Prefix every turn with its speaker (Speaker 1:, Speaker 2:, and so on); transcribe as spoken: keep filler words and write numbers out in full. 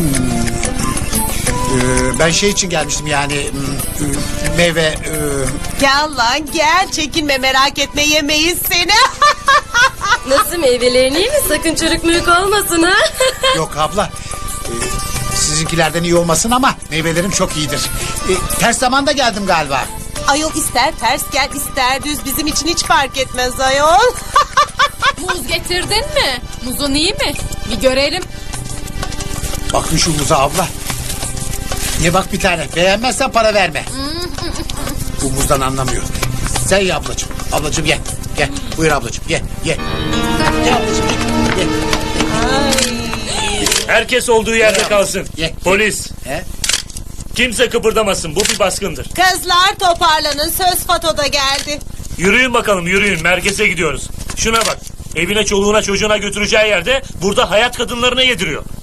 Speaker 1: Ee, ben şey için gelmiştim yani hmm, meyve. e,
Speaker 2: Gel lan gel, çekinme, merak etme, yemeyiz seni.
Speaker 3: Nasıl, meyvelerin iyi mi? Sakın çürük mürük olmasın ha.
Speaker 1: Yok abla. Ee, sizinkilerden iyi olmasın ama meyvelerim çok iyidir. Ee, ters zamanda geldim galiba.
Speaker 2: Ayol ister ters gel ister düz, bizim için hiç fark etmez ayol.
Speaker 4: Muz getirdin mi? Muzun iyi mi? Bir görelim.
Speaker 1: Bakın şu muza abla. Ye bak bir tane. Beğenmezsen para verme. Bu muzdan anlamıyor. Sen ye ablacığım. Ablacığım ye. Gel. Buyur ablacığım ye. Ye. Ye ablacığım ye. Ye.
Speaker 5: Herkes olduğu yerde
Speaker 1: Ye.
Speaker 5: kalsın.
Speaker 1: Ye.
Speaker 5: Polis.
Speaker 1: He?
Speaker 5: Kimse kıpırdamasın. Bu bir baskındır.
Speaker 2: Kızlar toparlanın, söz Fato'da geldi.
Speaker 5: Yürüyün bakalım, yürüyün. Merkeze gidiyoruz. Şuna bak. Evine, çoluğuna, çocuğuna götüreceği yerde burada hayat kadınlarına yediriyor.